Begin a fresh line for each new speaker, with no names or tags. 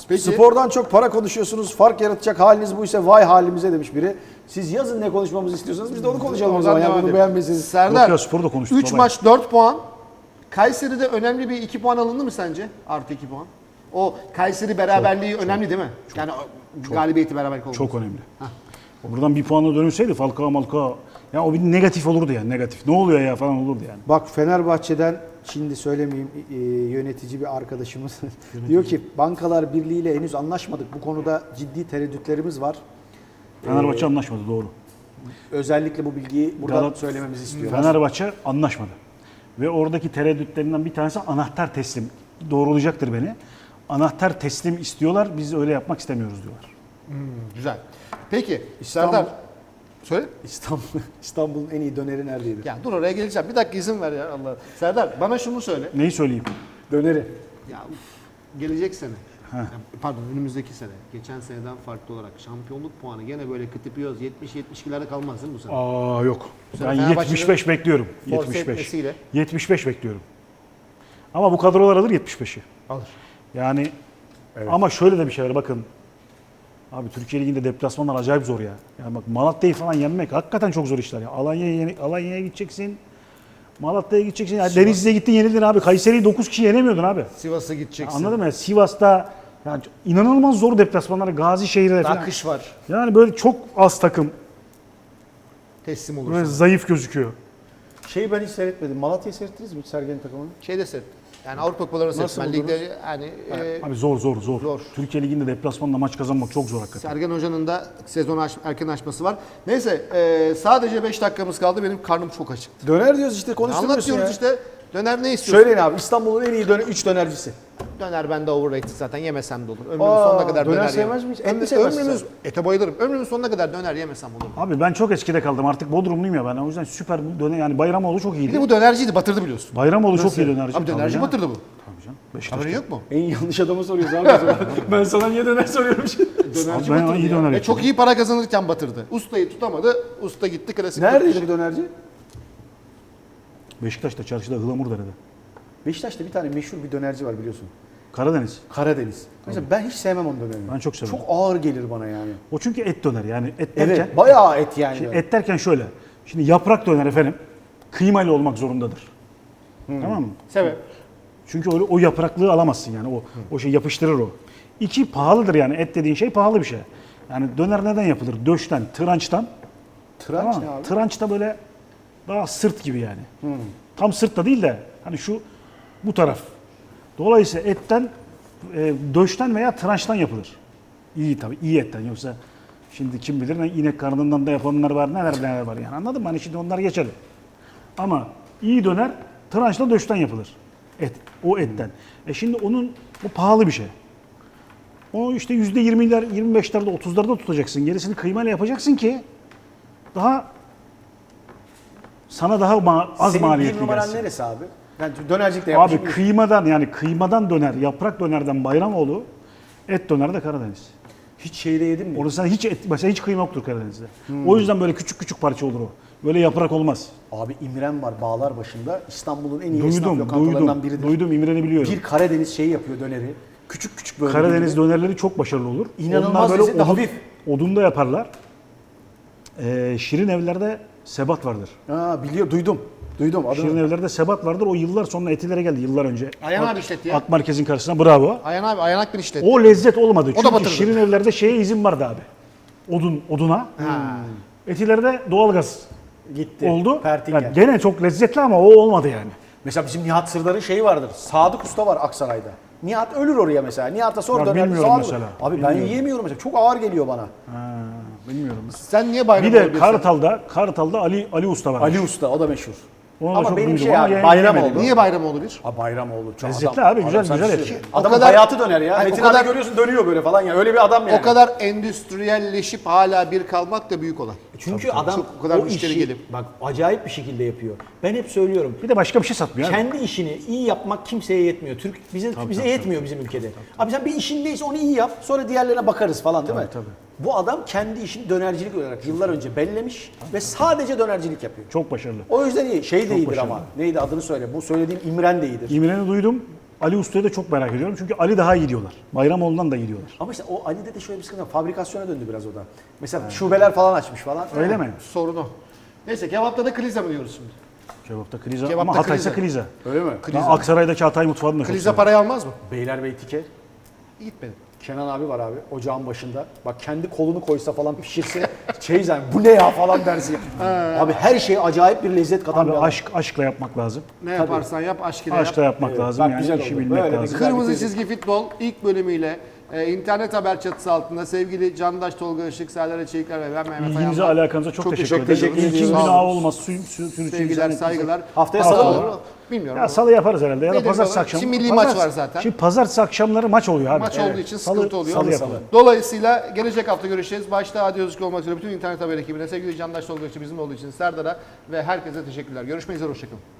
Peki.
Spordan çok para konuşuyorsunuz. Fark yaratacak haliniz buysa vay halimize demiş biri. Siz yazın ne konuşmamızı istiyorsanız biz de onu konuşalım o zaman. Ya bunu beğenmesiniz.
Serdar,
Yok ya, sporu da konuştuk
3
baba.
maç 4 puan. Kayseri'de önemli bir 2 puan alındı mı sence? Artı 2 puan. O Kayseri beraberliği önemli değil mi? Yani galibiyeti beraberlik oldu.
Çok önemli. Buradan bir puanla dönülseydi Falcao, ya o bir negatif olurdu yani, negatif. Ne oluyor ya falan olurdu yani.
Bak Fenerbahçe'den şimdi söylemeyeyim yönetici bir arkadaşımız diyor ki Bankalar Birliği ile henüz anlaşmadık. Bu konuda ciddi tereddütlerimiz var.
Fenerbahçe anlaşmadı, doğru.
Özellikle bu bilgiyi buradan söylememizi istiyorlar.
Fenerbahçe anlaşmadı. Ve oradaki tereddütlerinden bir tanesi anahtar teslim. Doğrulayacaktır beni. Anahtar teslim istiyorlar, biz öyle yapmak istemiyoruz diyorlar.
Güzel. Peki
İstanbul-
Serdar, söyle.
İstanbul'un en iyi döneri neredeydi?
Ya dur oraya geleceğim. Bir dakika izin ver ya Allah. Serdar bana şunu söyle.
Neyi söyleyeyim?
Döneri.
Ya gelecek sene. Ya, pardon önümüzdeki sene. Geçen seneden farklı olarak şampiyonluk puanı gene böyle kıtıpıyoruz. 70-72'lerde kalmaz değil mi bu sene?
Aa yok.
sene
Ben
Fenerbahçe'nin
75 bekliyorum.
force
75.
etmesiyle.
75 bekliyorum. Ama bu kadrolar alır 75'i.
Alır.
Yani ama şöyle de bir şey var bakın. Abi Türkiye Ligi'nde deplasmanlar acayip zor ya. Yani bak Malatya'yı falan yenmek hakikaten çok zor işler ya. Alanya'ya gideceksin. Malatya'ya gideceksin. Yani Denizli'ye gittin yenildin abi. Kayseri'yi 9 kişi yenemiyordun abi.
Sivas'a gideceksin.
Anladın mı? Sivas'ta yani inanılmaz zor deplasmanlar. Gazişehir'de falan.
Akış var.
Yani böyle çok az takım.
Teslim
Böyle
olursun.
zayıf gözüküyor.
Şeyi ben hiç seyretmedim. Malatya'yı seyrettiniz mi Sergen'in takımını?
Şeyde set. Yani Avrupa Kupalarını set.
Nasıl
Ben
buldunuz?
ligde yani
Abi zor.
Zor.
Türkiye Ligi'nde deplasmanla maç kazanmak çok zor hakikaten.
Sergen Hoca'nın da sezonu erken açması var. Neyse sadece 5 dakikamız kaldı. Benim karnım çok açık.
Döner diyoruz işte konuşturuyorsun
Anlatıyoruz
ya.
işte. Döner ne istiyorsun?
Söyleyin abi İstanbul'un en iyi 3 dönercisi.
Döner bende overrated zaten yemesem de olur. Ömrümün
Aa,
sonuna kadar
döner
döner
sevmez
yemem.
miyiz? Et mi sevmezsin
Ömrümüz,
sen?
ete bayılırım. Ömrümün sonuna kadar döner yemesem olur.
Abi ben çok eskide kaldım. Artık Bodrumluyum ya ben. O yüzden süper döner yani Bayramoğlu çok
Bir de
iyiydi.
bu dönerciydi batırdı biliyorsun.
Bayramoğlu çok iyi dönerci.
Abi dönerci
Tabii
batırdı bu.
Tabii canım. Beşiktaş'ta.
Haberin yok mu?
En yanlış adamı soruyoruz abi. o zaman. Ben sana niye döner soruyorum şimdi.
Dönerci
Abi ben
batırdı
iyi
ya.
döner
Ve
yapıyorum.
çok iyi para kazanırken batırdı. Ustayı tutamadı. Usta gitti klasik.
Neredeydi bu dönerci?
Beşiktaş'ta çarşıda Ihlamurdere'de.
Beşiktaş'ta bir tane meşhur bir dönerci var biliyorsun.
Karadeniz.
Karadeniz. Mesela ben hiç sevmem onun dönerini.
Ben çok severim.
Çok ağır gelir bana yani.
O çünkü et döner yani et derken.
Evet, bayağı et yani.
Şimdi et derken şöyle. Şimdi yaprak döner efendim kıymalı olmak zorundadır. Tamam mı?
Sebep.
Çünkü o yapraklığı alamazsın yani o şey yapıştırır o. İki pahalıdır yani et dediğin şey pahalı bir şey. Yani döner neden yapılır? Döşten, tırançtan.
Tıraş
Tamam
ne
mı?
abi?
Tıranç da böyle daha sırt gibi yani. Tam sırt da değil de hani bu taraf. Dolayısıyla etten, döşten veya tırançtan yapılır. İyi tabii, iyi etten. Yoksa şimdi kim bilir ne inek karnından da yapanlar var, neler var yani. Anladın mı? Hani şimdi onlar geçelim. Ama iyi döner tırançla döşten yapılır. Et, o etten. Şimdi bu pahalı bir şey. Onu işte %20'ler, 25'lerde, 30'larda tutacaksın. Gerisini kıymayla yapacaksın ki sana daha az
Senin bir
maliyetli
numaran
gelsin.
neresi abi? Ben dönercilikte
Abi
yapmışım.
kıymadan döner, yaprak dönerden Bayramoğlu, et döner de Karadeniz.
Hiç şeyde yedim mi?
Orada mesela hiç kıyma yoktur Karadeniz'de. O yüzden böyle küçük küçük parça olur o. Böyle yaprak olmaz.
Abi İmren var Bağlar başında. İstanbul'un en iyi esnaf
Duydum,
lokantalarından biridir.
duydum İmren'i biliyorum.
Bir Karadeniz şeyi yapıyor döneri. Küçük küçük böyle.
Karadeniz
gibi.
dönerleri çok başarılı olur.
İnanılmaz
Onlar
lezzetli, hafif.
odunda yaparlar. Şirin evlerde sebat vardır.
Duydum. Duydum. Adını.
Şirin evlerde sebat vardır. O yıllar sonra Etilere geldi yıllar önce.
Ayhan abi işletti ya.
Ak Merkez'in karşısına bravo.
Ayhan abi Ayhan Akbin işletti.
O lezzet olmadı.
O da
Çünkü
batırdı.
Şirin evlerde şeye izin vardı abi. Oduna. Etilerde doğalgaz
Gitti.
oldu.
Pertingen.
Yani gene çok lezzetli ama o olmadı yani.
Mesela bizim Nihat Sırdar'ın şeyi vardır. Sadık Usta var Aksaray'da. Nihat ölür oraya mesela. Nihat'a sor
Ya
döner.
bilmiyorum
Sadık.
mesela.
Abi ben
Bilmiyorum.
yiyemiyorum mesela. Çok ağır geliyor bana.
Bilmiyorum.
Sen niye bayram
Bir de
oluyorsun?
Kartal'da Ali Usta var.
Ali Usta o da meşhur.
Onu da
Ama
çok
benim
duydum
şey
ama
abi
yemedim.
Bayramoğlu.
Niye Bayramoğlu bir?
Bayramoğlu. Çok
Lezzetli abi, güzel
sana
güzel
bir
et.
şey-
O
Adamın
kadar-
hayatı döner ya.
Hayır,
Metin
o kadar-
abi görüyorsun dönüyor böyle falan ya. Öyle bir adam yani.
O kadar endüstriyelleşip hala bir kalmak da büyük olay.
Çünkü adam
Çok o kadar
o
müşteri
işi
gelip.
bak acayip bir şekilde yapıyor. Ben hep söylüyorum.
Bir de başka bir şey satmıyor. abi.
Kendi işini iyi yapmak kimseye yetmiyor. Bize yetmiyor bizim ülkede. Abi sen bir işindeyse onu iyi yap. Sonra diğerlerine bakarız falan değil mi?
Tabii.
Bu adam kendi işini dönercilik olarak yıllar önce bellemiş ve sadece dönercilik yapıyor.
Çok başarılı.
O yüzden iyi. Şey de iyidir
başarılı.
ama. Neydi adını söyle. Bu söylediğim İmren de iyidir.
İmren'i duydum. Ali Usta'yı da çok merak ediyorum. Çünkü Ali daha iyi diyorlar. Bayramoğlu'ndan da iyi diyorlar.
Ama işte o Ali'de de şöyle bir sıkıntı var. Fabrikasyona döndü biraz o da. Mesela şubeler falan açmış falan.
Öyle mi?
Sorunu. Neyse kebapta da kliza mı diyoruz şimdi?
Kebapta kriza
Kebapta
ama Hatay'sa
kriza.
kriza.
Öyle mi?
Ben Aksaray'daki Hatay mutfağını da çok
Kliza
seviyorum.
parayı almaz mı?
Beylerbeyi Tike.
Gitmedim.
Kenan abi var abi ocağın başında. Bak kendi kolunu koysa falan pişirse yani bu ne ya falan dersin. Abi her şey acayip bir lezzet katan
Abi
bir adam.
aşkla yapmak lazım.
Ne yaparsan yap aşk ile
Aşkla
yap.
yapmak
Evet,
lazım.
bak
Yani
güzel
işi
oldu.
bilmek
Böyle bir
lazım.
güzel
Kırmızı
bitirdik.
Çizgi Futbol ilk bölümüyle internet haber çatısı altında sevgili Candaş Tolga Işık, Serdar Çelikler ve ben Mehmet
İlginize
Ayan'la
alakanıza çok teşekkür ederim.
teşekkür ediyoruz.
İlkin
Sağ
günah
olun.
olmaz. Sürücü
Sevgiler, saygılar.
Haftaya
Hafta
salı
olur
mı?
mu? Bilmiyorum.
Ya
ama
salı yaparız herhalde ya da
Benim
pazartesi
baba-
akşamı.
Şimdi milli maç var zaten.
Şimdi pazartesi akşamları maç oluyor abi.
Maç olduğu için
Salı-
sıkıntı oluyor.
Salı yapalım.
Dolayısıyla gelecek hafta görüşeceğiz. Başta Adi Özgür olmak üzere bütün internet haber ekibine, sevgili Candaş Tolga Işık bizim olduğu için Serdar'a ve herkese teşekkürler. Görüşmek üzere, hoşçakalın.